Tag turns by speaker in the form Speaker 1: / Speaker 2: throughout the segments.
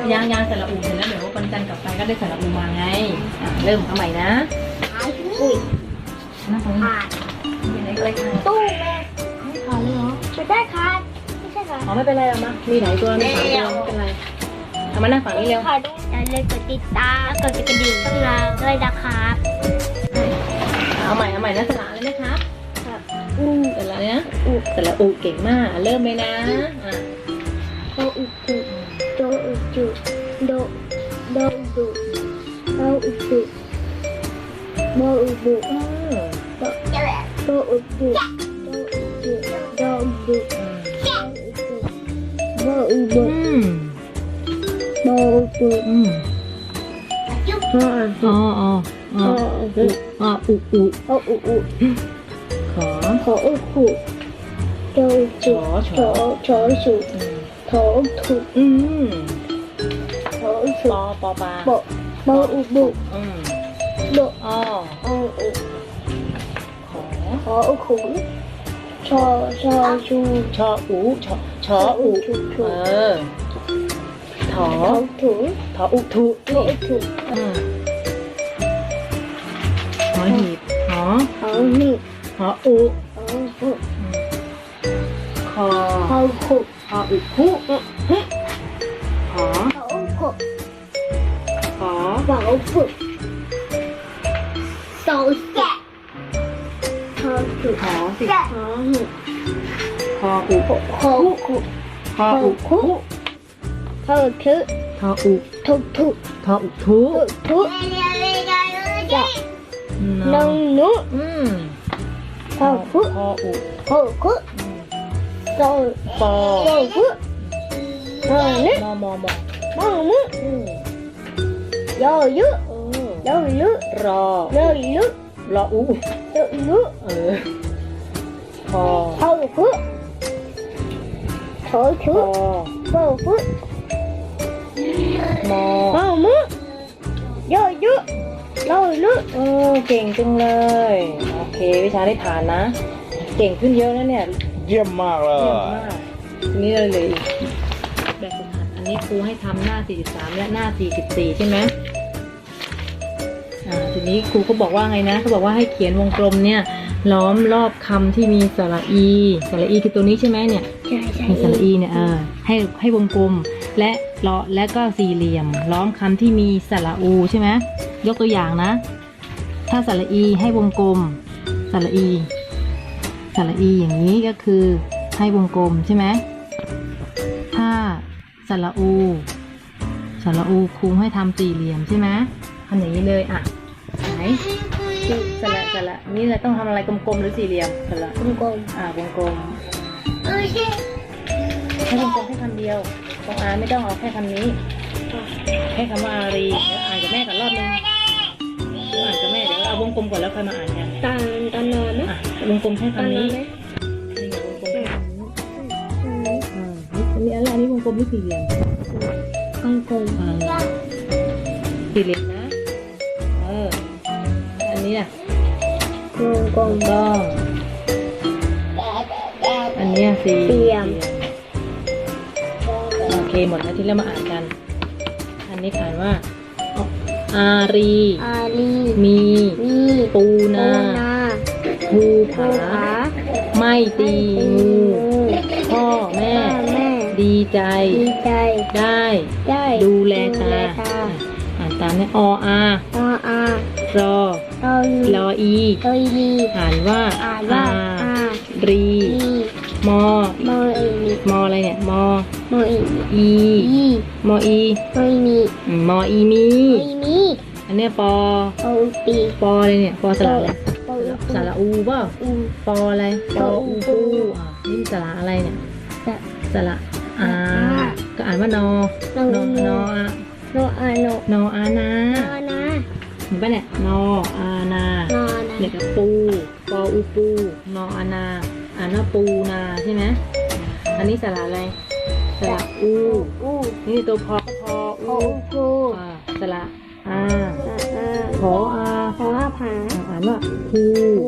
Speaker 1: ยังสระอูเสร็จแล้วเดี๋ยววันจันทร์กลับไปก็ได้สระอูมาไงเริ่มเอาใหม่นะ
Speaker 2: อุ้ย
Speaker 1: หน้าตรงนี้เป็นอะไรกัน
Speaker 2: ตู้แม่
Speaker 1: ไม่ขาดเลยเหรอ
Speaker 2: ไม่ได้ค่ะไม่ใช่ค่ะ
Speaker 1: อ๋อไม่เป็นไรหรอกมามีหลายตัวมี3 ตัวไม่เป็นไรเอามานั่งฝั่งนี้เร็ว
Speaker 2: ค่ะอย่าลืมกดติดตามกดกระดิ่งช่องเราด้วยนะครับ
Speaker 1: เอาใหม่นะสระเลยนะครับสระเลยนะสระอูเก่งมากเริ่มเลยนะ
Speaker 2: โออุจุโดอุจุโดอุจุโดอุจุโดอุจุโดอุจุโดอุจุโดอุจุโดอุจุโดอุจุ
Speaker 1: อ๋ออุ
Speaker 2: ขออุจุโดอุจุชอสุโถอุจุโถอุจุ
Speaker 1: ปอปลา
Speaker 2: โบอุบุโด
Speaker 1: อ้อ
Speaker 2: อุขออุขุนชอชู
Speaker 1: ชออูถอถออุถุ
Speaker 2: ถออุถุ
Speaker 1: หอหีบหอ
Speaker 2: หีบ
Speaker 1: หออุคอ
Speaker 2: ขุ
Speaker 1: หออุคุหอ
Speaker 2: อุขุ
Speaker 1: หอ
Speaker 2: อุขุโซแกะหอสิหอหุ
Speaker 1: หออุ
Speaker 2: หอขุ
Speaker 1: หออุคุ
Speaker 2: หอทุ
Speaker 1: หออุ
Speaker 2: ทุ
Speaker 1: หออุทุ
Speaker 2: น้องนุหอคุ
Speaker 1: หออุ
Speaker 2: หอคุโซ
Speaker 1: ปอ
Speaker 2: คุหอนึ
Speaker 1: มอ
Speaker 2: มึยอยุ
Speaker 1: รอรออุพอ
Speaker 2: คุโถชุโบคุ
Speaker 1: มอ
Speaker 2: มึยอยุรอลุ
Speaker 1: เก่งจังเลยโอเควิชาได้ผ่านนะเก่งขึ้นเยอะแล้วเนี่ย
Speaker 3: เยี่ยมมากเลย
Speaker 1: ทีนี้เลยแบบฝึกหัดอันนี้ครูให้ทำหน้า43และหน้า44ใช่ไหมทีนี้ครูเขาบอกว่าไงนะเขาบอกว่าให้เขียนวงกลมเนี่ยล้อมรอบคำที่มีสระอีคือตัวนี้ใช่ไหมเนี่ยมีสระอีเนี่ยให้วงกลมและก็สี่เหลี่ยมล้อมคำที่มีสระอูใช่ไหมยกตัวอย่างนะถ้าสระอีให้วงกลมสระอีอย่างนี้ก็คือให้วงกลมใช่ไหมถ้าสระอูครูให้ทำสี่เหลี่ยมใช่ไหมทำอย่างนี้เลยไหนสระนี่เราต้องทำอะไรกลมๆหรือสี่เหลี่ยมสระ
Speaker 2: วงกลม
Speaker 1: วงกลมให้วงกลมแค่คำเดียวตรงไม่ต้องเอาแค่คำนี้แค่คำว่าอารีเดี๋ยวอ่านกับแม่ก่อนรอบนึงอ่านกับแม่เดี๋ยวเอาวงกลมก่อนแล้วค่อยมาอ่านกัน
Speaker 2: ตอนนอนนะ
Speaker 1: วงกลมแค่คำนี้นี่อะไรนี่วงกลมหรือสี่เหลี่ยม
Speaker 2: วงกลม
Speaker 1: สี่เหลี่ยมนะอันนี้น่ะ
Speaker 2: วงกลม
Speaker 1: ต้องอันนี้สี่เหลี่ยมโอเคหมดแล้วที่เรามาอ่านกันอันนี้อ่านว่าอารีมีปูนาภูผาไม่ตีงูพ่อแม่ดีใจได้ดูแลตาอ่านตามเนี่ยรออีอ่านว่าอารีมออะไรเนี่ยมออีมออีมีอันเนี้ยปออะไรเนี่ยปอสระอะไรสระอูป่ะปออะไรปออูปูนี่สระอะไรเนี่ยสระก็อ่านว่านอนอานาเห็นป่ะเนี่ยนออานาเนี่ยกับปูปออูปูนออานาอ่านว่าปูนาใช่ไหมอันนี้สระอะไรสระอูนี่ตัวพออูสระขอ
Speaker 2: ผา
Speaker 1: อ่านว่าภู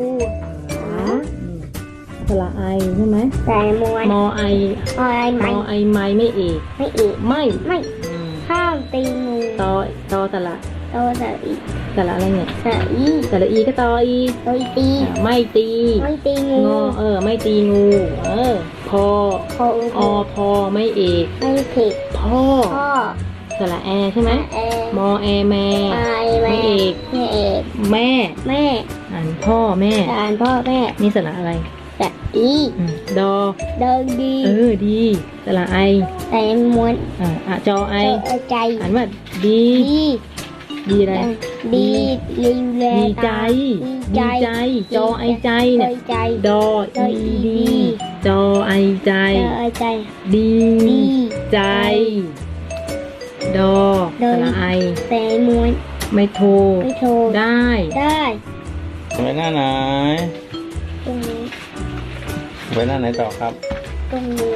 Speaker 1: สระไอใช่ไหม
Speaker 2: แต่มอไอ
Speaker 1: ไม่เอกไม่
Speaker 2: ข้ามตีงู
Speaker 1: ตอสระ
Speaker 2: โตสระอี
Speaker 1: สระอะไรเนี่ย
Speaker 2: สระอี
Speaker 1: สระอีก็ตออี
Speaker 2: โตอีตี
Speaker 1: ไม่ตี
Speaker 2: ไม่ตีงู
Speaker 1: งอไม่ตีงูพอ
Speaker 2: พออุ
Speaker 1: อพอไม่เอก
Speaker 2: ไม่ผิด
Speaker 1: พ่อ
Speaker 2: พ่อ
Speaker 1: สระแอใช่ไหม
Speaker 2: แอ
Speaker 1: มอแอแม่
Speaker 2: ไม่เอก
Speaker 1: แม่
Speaker 2: แม่
Speaker 1: อ่านพ่อแม่
Speaker 2: อ่านพ่อแม่
Speaker 1: นี่สระอะไร
Speaker 2: สระอี
Speaker 1: ดอ
Speaker 2: เดินดี
Speaker 1: ดีสระไอ
Speaker 2: แต่ม้วน
Speaker 1: จอไอ
Speaker 2: ใจ
Speaker 1: อ่านว่าดี
Speaker 2: ดี
Speaker 1: ดีอะไร
Speaker 2: ดีลีแล
Speaker 1: ดีใจ
Speaker 2: ดี
Speaker 1: ดีใจ จอไอใจเนี่ย
Speaker 2: ใจ
Speaker 1: ดออีดี จอไอใจ
Speaker 2: ใจ
Speaker 1: ดี
Speaker 2: ดี
Speaker 1: ใจ ดอ
Speaker 2: ดอ
Speaker 1: สระไอ
Speaker 2: แต่ม้วน
Speaker 1: ไม่โทร
Speaker 2: ไม่โทร
Speaker 1: ได้
Speaker 2: ได้
Speaker 3: ไปหน้าไหน
Speaker 2: ตรงนี้
Speaker 3: ไปหน้าไหนต่อครับ
Speaker 2: ตรงนี้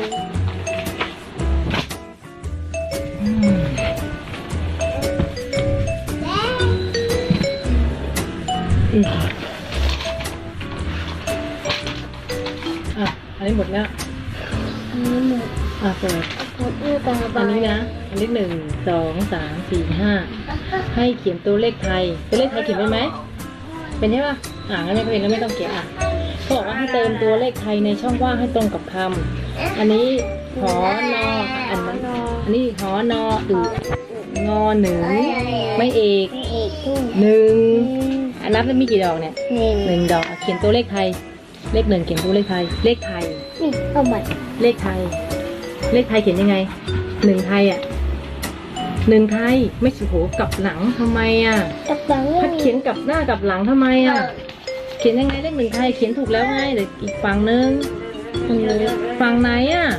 Speaker 1: อันนี้หมดแล้ว
Speaker 2: อันนี้หมด
Speaker 1: เปิด
Speaker 2: หมดนี่ตาบา
Speaker 1: อัน
Speaker 2: ย
Speaker 1: นี้นะ อันนี้1 2 3 4 5ให้เขียนตัวเลขไทย ตัวเลขไทยเขียนเป็นไหม เป็นใช่ปะงั้นไม่เป็นแล้วไม่ต้องเขียนเขาบอกว่าให้เติมตัวเลขไทยในช่องว่างให้ตรงกับคำอันนี้หอนออันนี้หอนองอหนึ่งไม่เอก
Speaker 2: ไม่เอกทุ่ง
Speaker 1: หนึ่งนับแล้วมีกี่ดอกเนี่ย
Speaker 2: หนึ่ง
Speaker 1: 1 ดอกเขียนตัวเลขไทย เลข 1เขียนตัวเลขไทย เลขไทย
Speaker 2: นี่เอาหมด
Speaker 1: เลขไทย เลขไทยเขียนยังไง1 ไทย1 ไทยไม่โหกลับหลังทำไม
Speaker 2: กับหลัง
Speaker 1: ถ้าเขียนกลับหน้ากลับหลังทำไมเขียนยังไงเลข1 ไทยเขียนถูกแล้วไงแต่อีกฝั่งนึงฝั่งไหน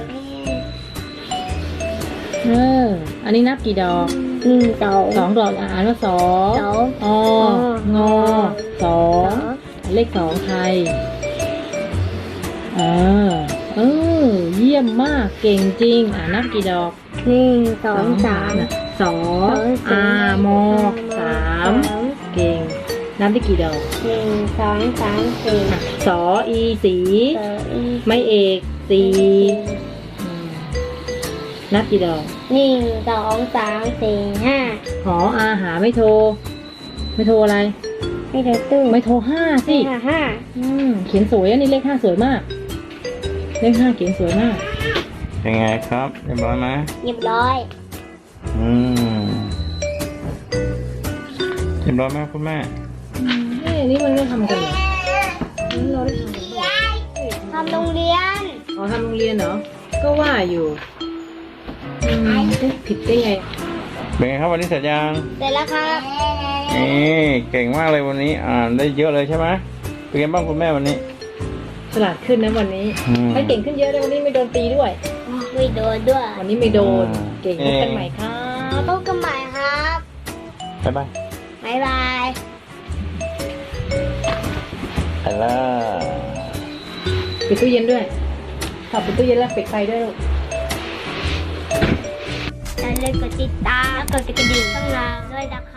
Speaker 1: อันนี้นับกี่ดอก 2 ดอกอ่านว่า2งอ2เลข2ไทยเยี่ยมมากเก่งจริงนับกี่ดอก
Speaker 2: 2 3
Speaker 1: 2ม3เก่งนับได้กี่ดอก
Speaker 2: 1 2 3 4
Speaker 1: สออีสีไม่เอกสีนับกี่ดอก
Speaker 2: 1 2 3 4 5
Speaker 1: หออาหาไม่โทรอะไร
Speaker 2: ไม่เดือดตู้
Speaker 1: ไม่โทร5สิ
Speaker 2: 5
Speaker 1: เขียนสวยนี่เลข5สวยมากเลข5เขียนสวยมาก
Speaker 3: เป็นไงครับเรียบร้อยไหม
Speaker 2: เรียบร้อย
Speaker 3: เรียบร้อยไหมคุณแม่
Speaker 1: นี่มันไม่ทำกันเหรอเราได้ทำกันเหรอ
Speaker 2: ทำโรงเรียน
Speaker 1: ทำโรงเรียนเหรอก็ว่าอยู่ผิดได้ไง
Speaker 3: เป็นไงครับวันนี้เสร็จยัง
Speaker 2: เสร็จแล้วครับ
Speaker 3: นี่เก่งมากเลยวันนี้อ่านได้เยอะเลยใช่ไหมเป็นไงบ้างคุณแม่วันนี้
Speaker 1: ฉลาดขึ้นนะวันนี้ให้เก่งขึ้นเยอะเลยวันนี้ไม่โดนตีด้วย
Speaker 2: ไม่โดนด้วย
Speaker 1: วันนี้ไม่โดนเก่งพบกันใหม่ครับ
Speaker 2: พบกันใหม่ครับ
Speaker 3: บ๊ายบาย
Speaker 2: บ๊ายบาย
Speaker 3: ไปแล้ว
Speaker 1: ปิดตู้เย็นด้วยขับปิดตู้เย็นแล้วปิดไฟด้วยลูก
Speaker 2: อย่าลืมกดติดตามกดกระดิ่งข้างล่างด้วยนะคะ